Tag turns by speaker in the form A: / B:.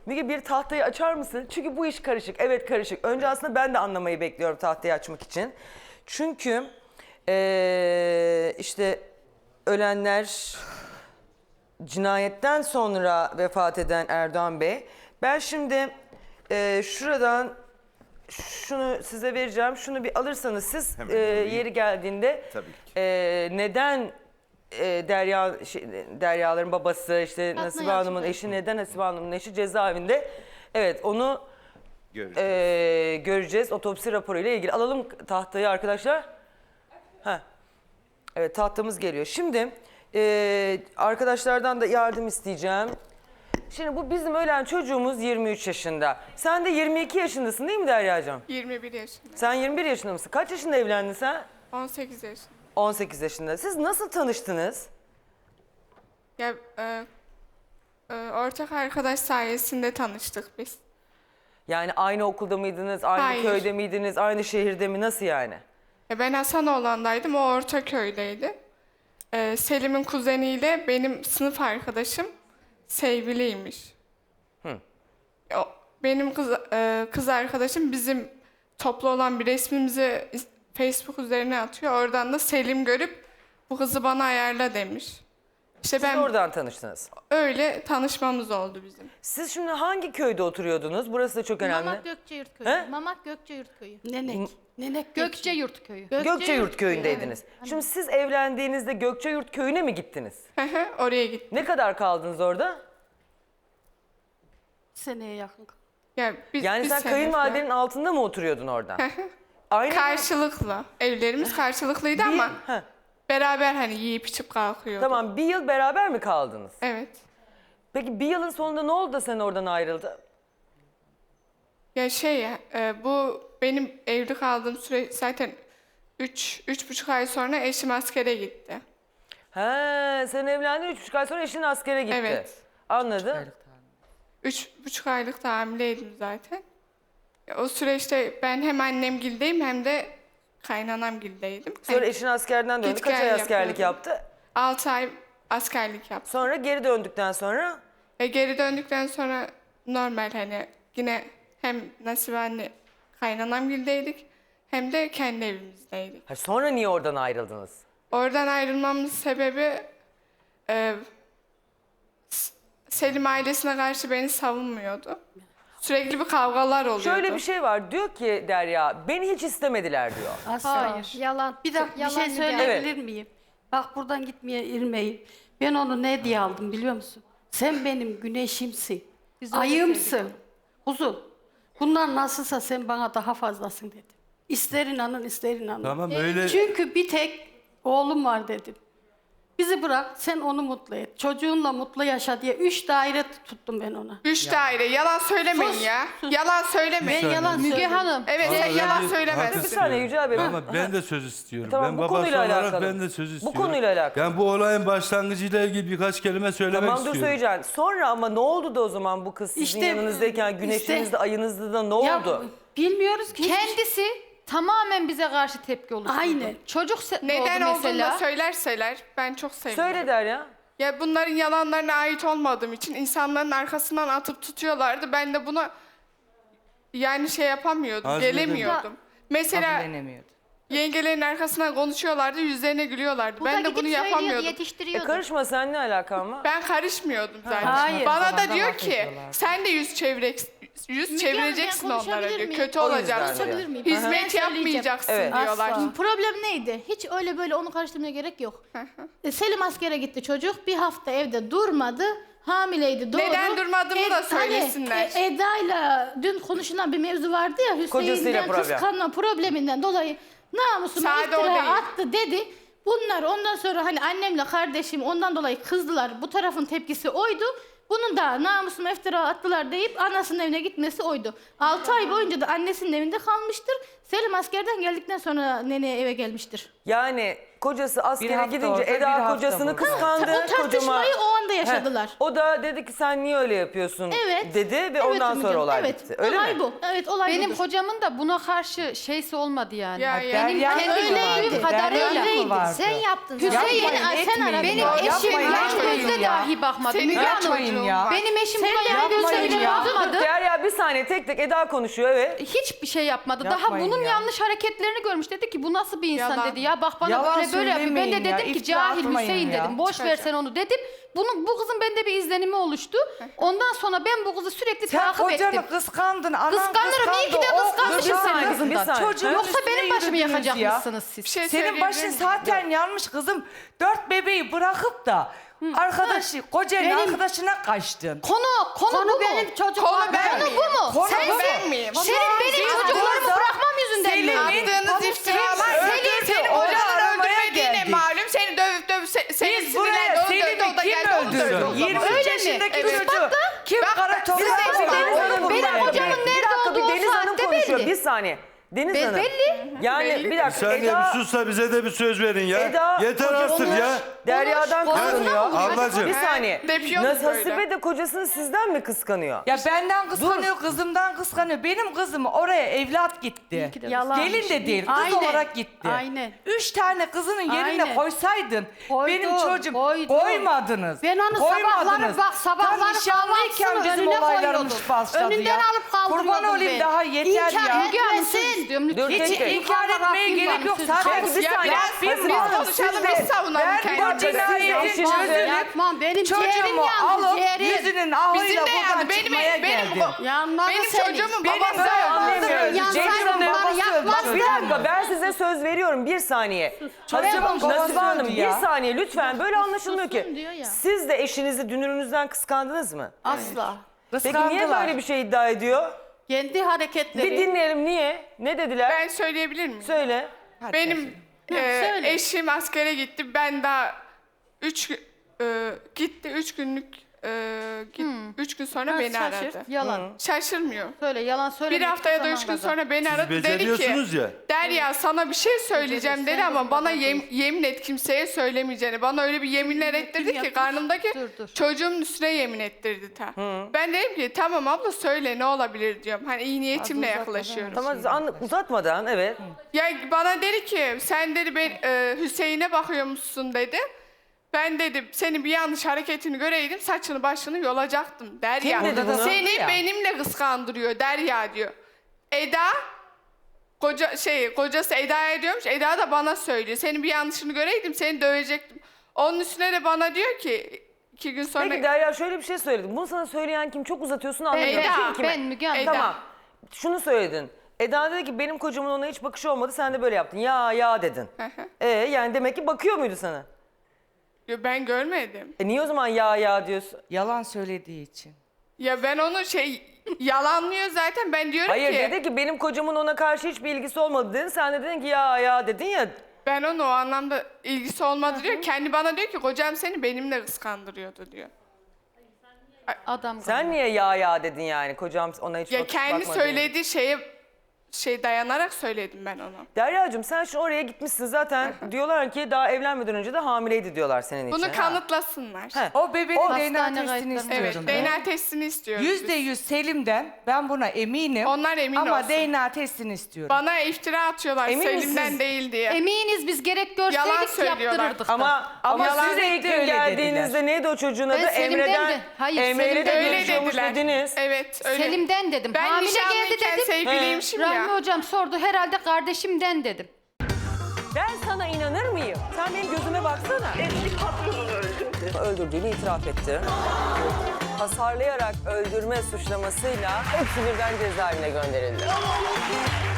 A: Müge bir tahtayı açar mısın? Çünkü bu iş karışık. Evet karışık. Önce aslında ben de anlamayı bekliyorum tahtayı açmak için. Çünkü işte ölenler, cinayetten sonra vefat eden Erdoğan Bey. Ben şimdi şuradan şunu size vereceğim. Şunu bir alırsanız siz yeri geldiğinde
B: Tabii ki.
A: Neden Derya'ların babası işte Nasibe Hanım'ın eşi neden Nasibe Hanım'ın eşi cezaevinde? Evet onu göreceğiz otopsi raporuyla ilgili. Alalım tahtayı arkadaşlar. Heh. Evet tahtamız geliyor. Şimdi arkadaşlardan da yardım isteyeceğim. Şimdi bu bizim ölen çocuğumuz 23 yaşında. Sen de 22 yaşındasın değil mi Derya'cığım?
C: 21 yaşında.
A: Sen 21 yaşında mısın? Kaç yaşında evlendin sen?
C: 18 yaşında.
A: 18 yaşında. Siz nasıl tanıştınız?
C: Ya ortak arkadaş sayesinde tanıştık biz.
A: Yani aynı okulda mıydınız? Aynı
C: Hayır.
A: köyde miydiniz? Aynı şehirde mi? Nasıl yani?
C: Ya ben Hasanoğlan'daydım, o Ortaköy'deydi. Selim'in kuzeniyle benim sınıf arkadaşım sevgiliymiş. Benim kız arkadaşım bizim toplu olan bir resmimizi Facebook üzerine atıyor. Oradan da Selim görüp bu kızı bana ayarla demiş. İşte
A: Siz
C: ben
A: oradan tanıştınız.
C: öyle tanışmamız oldu bizim.
A: Siz şimdi hangi köyde oturuyordunuz? Burası da çok önemli.
D: Mamak Gökçeyurt Köyü.
A: He?
D: Mamak Gökçeyurt Köyü.
E: Nenek
D: Gökçeyurt Köyü.
A: Gökçeyurt köyündeydiniz. Şimdi siz evlendiğinizde Gökçeyurt köyüne mi gittiniz?
C: Oraya gittim.
A: Ne kadar kaldınız orada?
E: seneye yakın.
C: Ya
A: Yani
C: bir
A: sen
C: sene
A: kayınvalidenin
C: falan.
A: altında mı oturuyordun oradan? Aynı
C: Karşılıklı. Evlerimiz karşılıklıydı ama
A: Heh,
C: beraber hani yiyip içip kalkıyorduk.
A: tamam bir yıl beraber mi kaldınız?
C: Evet.
A: Peki bir yılın sonunda ne oldu da sen oradan ayrıldın?
C: Ya bu benim evli kaldığım süre zaten 3,5 ay sonra eşim askere gitti.
A: He, sen evlendin 3,5 ay sonra eşin askere gitti.
C: Evet.
A: Anladım.
C: 3,5 aylık da hamileydim zaten. Ya, o süreçte ben hem annemgildeyim hem de kaynanamgildeydim.
A: Sonra eşin askerden döndü.
C: Git
A: Kaç
C: gel
A: ay askerlik
C: yapıyordum.
A: yaptı?
C: 6 ay askerlik yaptım.
A: Sonra geri döndükten sonra
C: Geri döndükten sonra normal hani yine hem Nasibe anne kaynanamgildeydik hem de kendi evimizdeydik.
A: sonra niye oradan ayrıldınız?
C: Oradan ayrılmamın sebebi Selim ailesine karşı beni savunmuyordu. Sürekli bir kavgalar oluyordu.
A: Şöyle bir şey var. Diyor ki Derya beni hiç istemediler diyor.
E: Asla.
D: Hayır. Yalan.
E: Bir dakika bir
D: Yalan
E: şey
D: Müge.
E: söyleyebilir miyim? Bak buradan gitmeye irmeyin. Ben onu ne diye aldım biliyor musun? Sen benim güneşimsin.
D: Biz öyle
E: Ayımsın.
D: sevdik
E: Kuzum. Bunlar nasılsa sen bana daha fazlasın dedim. İster inanın ister inanın.
F: Tamam öyle.
E: Çünkü bir tek oğlum var dedim. Bizi bırak sen onu mutlu et. Çocuğunla mutlu yaşa diye 3 daire tuttum ben ona.
C: 3 daire. Yalan söylemeyin
E: Sus,
C: ya.
E: sus.
C: Yalan söylemeyin.
E: Ben yalan
D: Müge
E: söylüyorum.
D: Hanım.
C: Evet
F: Ama
C: sen
F: ben
C: yalan
F: de
C: söylemezsin.
F: hak
A: Bir saniye Yücel Bey.
F: Ama ben de söz istiyorum.
A: Tamam,
F: ben
A: bu
F: babası
A: konuyla
F: olarak
A: alakalı.
F: ben de söz
A: Bu
F: istiyorum.
A: konuyla alakalı.
F: Yani bu olayın başlangıcıyla ilgili birkaç kelime söylemek
A: Tamam dur
F: istiyorum.
A: söyleyeceksin. Sonra ama ne oldu da o zaman bu kız sizin
E: İşte,
A: yanınızdayken güneşinizde
E: işte-
A: ayınızda da ne
E: Ya,
A: oldu?
E: bilmiyoruz ki.
D: Kendisi tamamen bize karşı tepki oluşturdu.
E: Aynen.
D: Çocuk
C: Neden
D: oldu
C: olduğunu da
D: mesela.
C: söylerseler ben çok sevinirim.
A: Söyle Derya.
C: Ya bunların yalanlarına ait olmadığım için insanların arkasından atıp tutuyorlardı. Ben de buna yani yapamıyordum,
F: Hazmedemedim.
C: gelemiyordum. Mesela
G: Kabullenemiyordu.
C: yengelerin arkasından konuşuyorlardı, yüzlerine gülüyorlardı.
D: Bu da
C: Ben de
D: gidip
C: bunu
D: söylüyordu,
C: yapamıyordum.
D: yetiştiriyordu.
A: Karışma sen ne alakan var?
C: Ben karışmıyordum zaten.
E: Hayır.
C: Bana
G: Babadan
C: da diyor
G: laf
C: ki
G: ediyorlardı.
C: sen de yüz çevireceksin
D: ben
C: onlara
D: konuşabilir
C: diyor.
D: miyim?
C: Kötü
A: O yüzden
C: olacaksın.
A: diyor.
D: Konuşabilir miyim? Ben
C: Hizmet
D: söyleyeceğim.
C: yapmayacaksın
A: Evet.
C: diyorlar.
E: Asla.
D: Problem neydi? Hiç öyle böyle onu karıştırmaya gerek yok. Selim askere gitti çocuk. Bir hafta evde durmadı. Hamileydi doğru.
C: Neden durmadığımı da
D: Hani,
C: söylesinler.
D: Eda'yla dün konuşulan bir mevzu vardı ya
A: Kocasıyla
D: Hüseyin'den
A: problem.
D: kıskanma probleminden dolayı namusuma
C: Sade o
D: iftira
C: değil.
D: attı dedi. Bunlar ondan sonra hani annemle kardeşim ondan dolayı kızdılar. Bu tarafın tepkisi oydu. Bunun da namusuma iftira attılar deyip anasının evine gitmesi oydu. 6 ay boyunca da annesinin evinde kalmıştır. Selim askerden geldikten sonra neneye eve gelmiştir.
A: Yani kocası askere
B: hafta
A: gidince
B: orada, bir
A: Eda
B: hafta
A: kocasını
B: burada.
A: kıskandı.
D: O tartışmayı o anda yaşadılar.
A: O da dedi ki sen niye öyle yapıyorsun
D: Evet.
A: dedi ve
D: Evet
A: ondan
D: Müge
A: sonra
D: Hanım,
A: olay
D: evet.
A: bitti. Öyle
D: olay
A: mi?
D: bu. Evet olay
G: Benim
D: budur.
G: kocamın da buna karşı şeysi olmadı yani.
C: Ya,
G: Benim
B: Derya
G: kendi
B: öyleydi.
G: gördüğüm kadarıyla.
B: Derya mı vardı?
D: Sen yaptın.
G: Hüseyin,
D: Sen
B: etmeyin.
D: aradın.
G: Benim
B: Ya,
G: eşim
B: yapmayın,
G: yan
B: yapmayın
G: gözle
B: ya.
G: dahi bakmadı.
C: Senin
G: Müge Hanım,
B: yapmayın ya.
G: benim eşim
D: Sen
G: buna
D: de
G: yan gözle
B: yapmayın
G: bile
B: ya.
G: bakmadı.
A: Derya bir saniye tek tek Eda konuşuyor evet.
G: Hiçbir şey yapmadı. Daha
B: Yapmayın
G: bunun
B: ya.
G: yanlış hareketlerini görmüş. Dedi ki bu nasıl bir insan
C: Yalan.
G: dedi ya. Bak bana
B: Yalan
G: böyle yapıyor. Ben de
B: söylemeyin ya,
G: dedim ki
B: iftira
G: cahil
B: atmayın
G: Hüseyin
B: ya.
G: dedim. Boş ver sen onu dedim. Bu kızın bende bir izlenimi oluştu. Ondan sonra ben bu kızı sürekli
B: Sen
G: takip ettim.
B: kocanı kıskandın, anan
G: Kıskanırım, iyi ki de kıskanmışım
A: Bir
G: senin
A: saniye, bir
G: kızından.
A: saniye.
B: Çocuğun
G: Yoksa
B: üstüne
G: benim başımı
B: yürüdünüz
G: yakacakmışsınız
C: Bir
G: siz.
C: şey
B: Senin
C: söyleyebilir
B: başın
C: miyim?
B: zaten yanmış kızım. 4 bebeği bırakıp da kocanın arkadaşına kaçtın.
G: Konu bu mu?
E: benim çocuk
C: Konu
E: var.
C: ben
G: Konu
C: miyim?
G: bu mu?
B: Konu
G: Sen,
B: bu.
C: Ben miyim?
G: senin benim çocuklarımı bırakmam yüzünden mi?
C: Attığınız iftiralar senin
B: onu
C: kocanın
B: aramaya
C: öldürmediğine
B: geldik.
C: malum. Seni dövüp senin
B: Biz buraya Selim'i kim öldürdü? 23
G: Öyle mi?
B: yaşındaki
C: Evet.
B: çocuğu kim
C: Bak,
B: kara
C: bir
B: toprağa
C: dakika,
B: koydu?
A: Deniz Hanım
B: Onu
G: benim
B: bulmaya
G: kocamın
B: geldi.
G: nerede
A: Bir dakika
G: olduğu
A: bir Deniz
G: o
A: Hanım
G: saatte
A: konuşuyor.
G: belli.
A: Bir saniye. Deniz Hanım.
G: Belli.
A: Yani
C: Belli.
A: bir
F: Bir
A: dakika
F: saniye
A: Eda
F: bir sus da bize de bir söz verin ya.
A: Eda,
F: Yeter artık ya.
A: Derya'dan
G: Konuş,
A: kıskanıyor.
G: konuşma oluyor.
F: Ablacığım.
A: Bir saniye.
C: Depiyoruz böyle.
A: Hasibe de kocasını sizden mi kıskanıyor?
B: Ya benden kıskanıyor, kızımdan kıskanıyor. Benim kızım oraya evlat gitti.
E: Yalan.
B: Gelin de değil, kız
E: Aynen,
B: olarak gitti.
E: aynen.
B: 3 tane kızının yerine
E: Aynen.
B: koysaydın,
E: Koydum,
B: benim çocuğum
E: koydum.
B: koymadınız.
E: Ben onu
B: Koymadınız.
E: sabahları
B: Tam nişanlıyken
E: kahvaltısının
B: bizim
E: önüne
B: olaylarımız
E: koyuyordum.
B: başladı
E: Önünden
B: ya.
E: alıp kaldırıyordum
B: Kurban olayım
E: ben.
B: daha yeter
E: İnkar
B: ya.
G: Müge Hanım
E: etmesin.
G: söz istiyorum
A: Dur,
G: lütfen.
A: tek tek.
B: İnkar etmeye gerek yok. Zaten
A: Bir saniye.
B: Rabbim
A: Hasibe
B: var.
A: Hanım,
C: konuşalım,
A: siz de-
C: biz savunalım
B: Ben
C: kendimizi.
B: bu cinayetin
A: Siz de eşinizi-
B: çözülüp
E: Yapmam. Benim ciğerim
B: çocuğumu
E: yandı.
B: alıp
E: Ciğerim.
B: yüzünün
C: Bizim
B: ahıyla
C: de
B: buradan
C: yani
B: çıkmaya geldim.
E: Yanmadı
C: Benim
E: senin.
C: çocuğumun
B: Benim
C: babası
B: de
A: anlayamıyoruz.
E: Yansaydı
A: Cengiz Hanım,
E: bana
B: babası öldü.
A: Bak bir
E: yapmazdı.
A: dakika ben size söz veriyorum bir saniye.
B: Çocuğumun babası
A: Nasibe Hanım
B: öldü
A: bir
B: ya.
A: saniye lütfen böyle anlaşılmıyor
D: Susun
A: ki.
D: diyor ya.
A: Siz de eşinizi dünürünüzden kıskandınız mı?
E: Asla.
A: Peki niye böyle bir şey iddia ediyor?
E: Kendi hareketleri.
A: Bir dinleyelim niye? Ne dediler?
C: Ben söyleyebilir miyim?
A: Söyle.
C: Benim
D: söyle.
C: eşim askere gitti. Ben daha 3 gitti 3 günlük 3 gün sonra beni
E: şaşır.
C: aradı.
G: Yalan.
C: Şaşırmıyor.
G: Söyle yalan söyle.
C: Bir hafta ya da 3 gün sonra beni aradı. Dedi ki
F: beceriyorsunuz ya.
C: Derya sana bir şey söyleyeceğim dedi ama bana yemin et kimseye söylemeyeceğini. Bana öyle bir yeminler ettirdi ki karnımdaki
G: Dur.
C: çocuğumun üstüne yemin ettirdi ta. Ben dedim ki tamam abla söyle ne olabilir diyorum. Hani iyi niyetimle yaklaşıyorum.
A: Tamam uzatmadan evet.
C: Ya bana dedi ki sen dedi Hüseyin'e bakıyormuşsun dedi. Ben dedim senin bir yanlış hareketini göreydim saçını başını yolacaktım Derya.
A: Kim dedi bunu?
C: Seni
B: Ya.
C: benimle kıskandırıyor Derya diyor. Eda kocası Eda'ya diyormuş. Eda da bana söylüyor. Senin bir yanlışını göreydim seni dövecektim. Onun üstüne de bana diyor ki 2 gün sonra
A: Peki Derya şöyle bir şey söyledim. Bunu sana söyleyen kim? Çok uzatıyorsun anlamıyorum.
C: Eda.
A: Kim, kime?
G: Ben Müge Hanım.
C: Eda.
A: Tamam. Şunu söyledin. Eda dedi ki benim kocamın ona hiç bakışı olmadı. Sen de böyle yaptın. Ya dedin. Yani demek ki bakıyor muydu sana?
C: ben görmedim.
A: Niye o zaman ya diyorsun?
B: Yalan söylediği için.
C: Ya ben onu yalanlıyor zaten. Ben diyorum
A: Hayır
C: ki
A: dedi ki benim kocamın ona karşı hiçbir ilgisi olmadı dedin. Sen de dedin ki ya dedin ya.
C: ben onu o anlamda ilgisi olmadı diyor. Kendi bana diyor ki kocam seni benimle kıskandırıyordu diyor.
G: Adam
A: Sen niye ya dedin yani? Kocam ona hiç
C: Ya
A: bakmadı
C: kendi
A: diye.
C: söylediği şeye dayanarak söyledim ben onu.
A: Derya'cığım sen şimdi oraya gitmişsin zaten. Diyorlar ki daha evlenmeden önce de hamileydi diyorlar senin için.
C: Bunu
A: Ha.
C: kanıtlasınlar.
A: He.
B: O bebeğin DNA
G: hastane
B: testini
G: kayıtlarını-
B: istiyorum.
C: Evet,
B: ben.
C: DNA testini istiyoruz. biz.
B: %100 Selim'den ben buna eminim.
C: Onlar emin
B: Ama
C: olsun.
B: DNA testini istiyorum.
C: Bana iftira atıyorlar
A: Emin
C: Selim'den
A: misiniz?
C: değil diye.
G: Eminiz biz gerek
C: Yalan
G: görseydik
C: söylüyorlar.
G: yaptırırdık da.
A: Ama
B: Yalan
A: siz de ilk
B: de
A: gün
B: öyle
A: geldiğinizde
B: dediler.
A: neydi o çocuğun adı?
G: Ben Selim'den
A: Emre'den.
G: de- hayır,
A: Emre'yle de
G: Selim'den
C: Öyle
A: görüşüyormuş
C: dediler.
A: dediniz.
C: Evet öyle.
G: Selim'den dedim.
C: Ben
G: Hamile geldi
C: nişanlıyken
G: dedim.
C: sevgiliymişim
G: Rahmi
C: ya.
G: hocam sordu herhalde kardeşimden dedim.
A: Ben sana inanır mıyım? Sen benim gözüme baksana.
H: Eski patronunu öldürdü.
A: Öldürdüğünü itiraf etti. Hasarlayarak öldürme suçlamasıyla hepsi birden cezaevine gönderildi.